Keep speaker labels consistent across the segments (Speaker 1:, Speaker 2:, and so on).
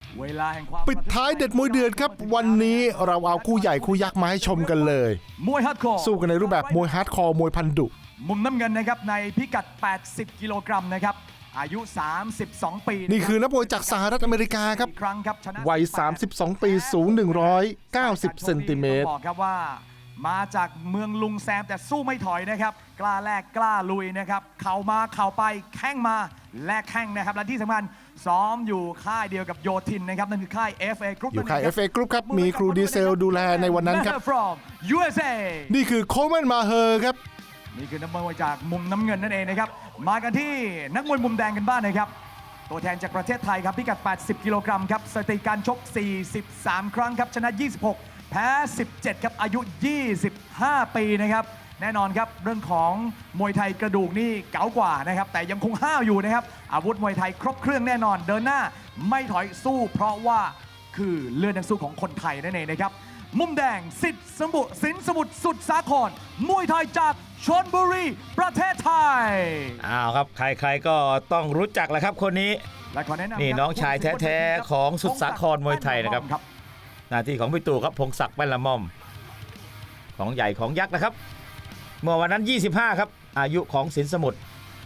Speaker 1: เวลาแห่งความ
Speaker 2: ปิดท้ายเด็ดมวยเดือดครับวันนี้เราเอาคู่ใหญ่คู่ยักษ์มาให้ชมกันเลย
Speaker 1: มวยฮาร์ดคอร์
Speaker 2: สู้กันในรูปแบบมวยฮาร์ดคอร์มวยพันดุ
Speaker 1: มุมน้ำเงินนะครับในพิกัด 80 กิโลกรัมนะครับอายุ 32 ปี
Speaker 2: นี่คือนักมวยจากสหรัฐอเมริกาครับ
Speaker 1: อีกครั้งครับชนะ
Speaker 2: วัย 32 ปี สูง 190 เซนติเมตร
Speaker 1: บอกครับว่ามาจากเมืองลุงแซมแต่สู้ไม่ถอยนะครับกล้าแลกกล้าลุยนะครับเข่ามาเข่าไปแข้งมาแลกแข้งนะครับและที่สำคัญซ้อมอยู่ค่ายเดียวกับโยธินนะครับนั่นคือค่าย FA Group
Speaker 2: อยู่ค่าย FA Group ครับมีครูดีเซลดูแลในวันนั้นครับ
Speaker 1: from USA
Speaker 2: นี่คือโคลแมนมาเฮอร์ครับ
Speaker 1: นี่คือนักมวยจากมุมน้ำเงินนั่นเองนะครับมากันที่นักมวยมุมแดงกันบ้างนะครับตัวแทนจากประเทศไทยครับพิกัด 80 กิโลกรัมครับสถิติการชก 43 ครั้งครับชนะ 26 แพ้ 17 ครับอายุ 25 ปีนะครับแน่นอนครับเรื่องของมวยไทยกระดูกนี่เก๋ากว่านะครับแต่ยังคงห้าวอยู่นะครับอาวุธมวยไทยครบเครื่องแน่นอนเดินหน้าไม่ถอยสู้เพราะว่าคือเลือดนักสู้ของคนไทยนั่นเองนะครับมุมแดงสินสมุทรสุดสาครมวยไทยจากชลบุรีประเทศไทย
Speaker 3: อ้าวครับใครๆก็ต้องรู้จักแหละครับคนนี้
Speaker 1: และขอแนะนำ
Speaker 3: นี่น้องชายแท้ๆของสุดสาครมวยไทยนะครับ หน้าที่ของพี่ตู่ครับพงศักดิ์แป้นละม่อมของใหญ่ของยักษ์นะครับเมื่อวันนั้น 25 ครับอายุของสินสมุทร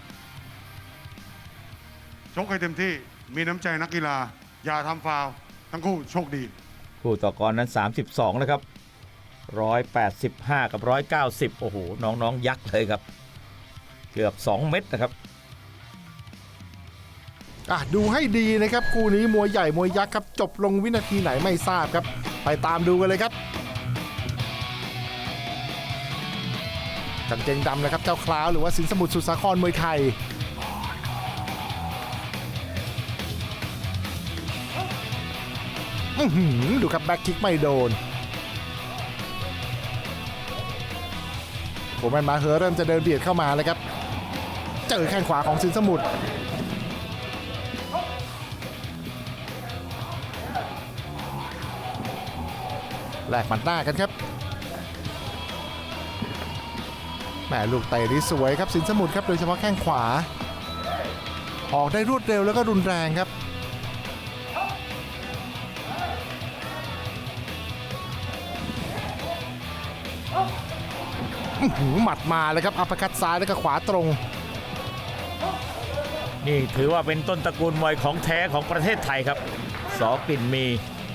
Speaker 4: ชกให้เต็มที่มีน้ำใจนักกีฬาอย่าทำฟาวล์ทั้งคู่โชคดี
Speaker 3: คู่ต่อกรนั้น 32นะครับ185 กับ 190โอ้โหน้องๆยักษ์เลยครับเกือบ 2 เม็ดนะครับ
Speaker 2: ดูให้ดีนะครับคู่นี้มวยใหญ่มวยยักษ์ครับจบลงวินาทีไหนไม่ทราบครับไปตามดูกันเลยครับกางเกงดำนะครับเจ้าคล้าวหรือว่าสินสมุทรสุดสาครมวยไทยดูครับแบ็คคิกไม่โดนโคลแมนมาเฮอร์เริ่มจะเดินเบียดเข้ามาเลยครับเจอแข้งขวาของสินสมุทรแลกหมัดหน้ากันครับแหมลูกเตะที่สวยครับสินสมุทรครับโดยเฉพาะแข้งขวาออกได้รวดเร็วแล้วก็รุนแรงครับหมัดมาเลยครับอัปเปอร์คัตซ้ายแล้วก็ขวาตรง
Speaker 3: นี่ถือว่าเป็นต้นตระกูลมวยของแท้ของประเทศไทยครับสกลิ่นมี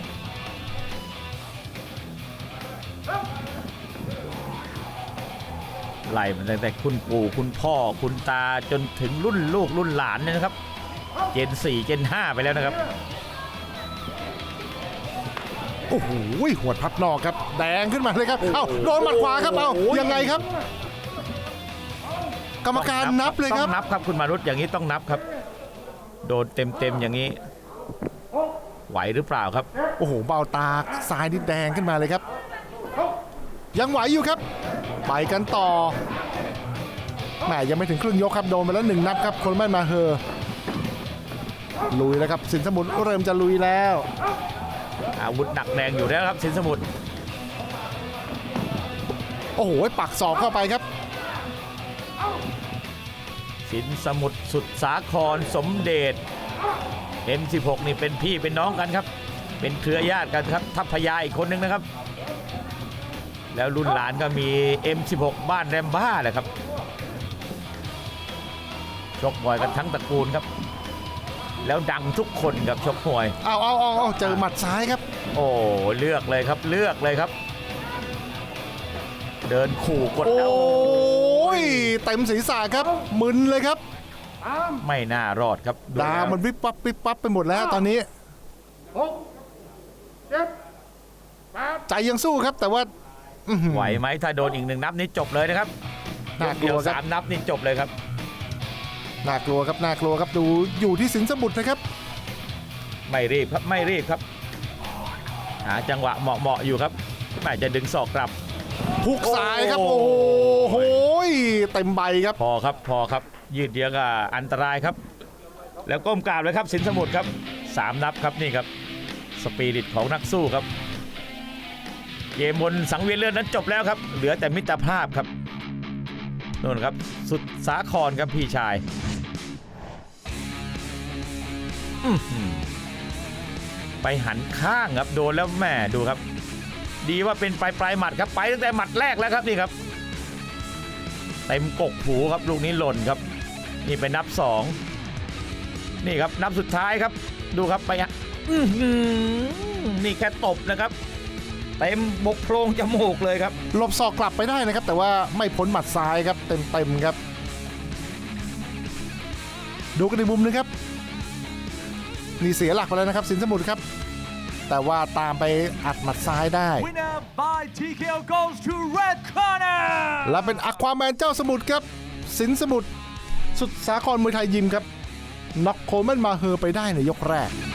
Speaker 3: ไล่มาตั้งแต่คุณปู่คุณพ่อคุณตาจนถึงรุ่นลูกรุ่นหลานเนี่ยนะครับเจน 4 เจน 5 ไปแล้วนะครับ
Speaker 2: โอ้โหหัวพับนอกครับแดงขึ้นมาเลยครับเอ้าโดนหมัดขวาครับเอ้ายังไงครับกรรมการนับเลยครับ
Speaker 3: ต้องนับครับคุณมารุตอย่างนี้ต้องนับครับโดนเต็มอย่างนี้ไหวหรือเปล่าครับ
Speaker 2: โอ้โหเบ้าตาซ้ายนี่แดงขึ้นมาเลยครับยังไหวอยู่ครับไปกันต่อแหมยังไม่ถึงครึ่งยกครับโดนไปแล้ว1 นัดครับโคลแมนมาเฮอร์ลุยแล้วครับสินสมุทรเริ่มจะลุยแล้ว
Speaker 3: อาวุธหนักแรงอยู่แล้วครับสินสมุทร
Speaker 2: โอ้โหปักศอกเข้าไปครับ
Speaker 3: สินสมุทรสุดสาครสมเด็จ M16 นี่เป็นพี่เป็นน้องกันครับเป็นเครือญาติกันครับทัพพยาอีกคนนึงนะครับแล้วรุ่นหลานก็มี M16 บ้านแรมบ้าแหละครับชกมวยกันทั้งตระกูลครับแล้วดังทุกคนครับชกมวย
Speaker 2: เอาเจอหมัดซ้ายครับ
Speaker 3: โอ้เลือกเลยครับเลือกเลยครับเดินขู่กด
Speaker 2: โอ้ยเต็มศีรษะครับมึนเลยครับ
Speaker 3: ไม่น่ารอดครับ
Speaker 2: ดามันวิบปั๊บไปหมดแล้วตอนนี้ใจยังสู้ครับแต่ว่า
Speaker 3: ไหวไหมถ้าโดนอีก1 นับนี้จบเลยนะครับ
Speaker 2: เดียว
Speaker 3: 3 นับนี่จบเลยครับ
Speaker 2: น่ากลัวครับดูอยู่ที่สินสมุทรนะครับ
Speaker 3: ไม่รีบครับไม่รีบครับหาจังหวะเหมาะอยู่ครับไม่จะดึงศอกกลับ
Speaker 2: พุกซ้ายครับโอ้โหเต็มใบครับ
Speaker 3: พอครับยืดเยื้อก็อันตรายครับแล้วก้มกราบเลยครับสินสมุทรครับ3 นับครับนี่ครับสปิริตของนักสู้ครับเกมบนสังเวียนเลือดนั้นจบแล้วครับเหลือแต่มิตรภาพครับนู่นครับสุดสาครครับพี่ชายไปหันข้างครับโดนแล้วแม่ดูครับ ดีว่าเป็นปลายหมัดครับไปตั้งแต่หมัดแรกแล้วครับนี่ครับเต็มกกหูครับลูกนี้หล่นครับนี่เป็นนับ2นี่ครับนับสุดท้ายครับดูครับไปนี่แค่ตบนะครับเต็มบกโพรงจมูกเลยครับ
Speaker 2: หลบศอกกลับไปได้นะครับแต่ว่าไม่พ้นหมัดซ้ายครับเต็มครับดูกันในมุมนึงครับนี่เสียหลักไปแล้วนะครับสินสมุทรครับแต่ว่าตามไปอัดหมัดซ้ายได้
Speaker 1: Winner by TKO goes to red corner
Speaker 2: และเป็นอควาแมนเจ้าสมุทรครับสินสมุทรสุดสาครมวยไทยยิมครับน็อกโคลแมนมาเฮอร์ไปได้ในยกแรก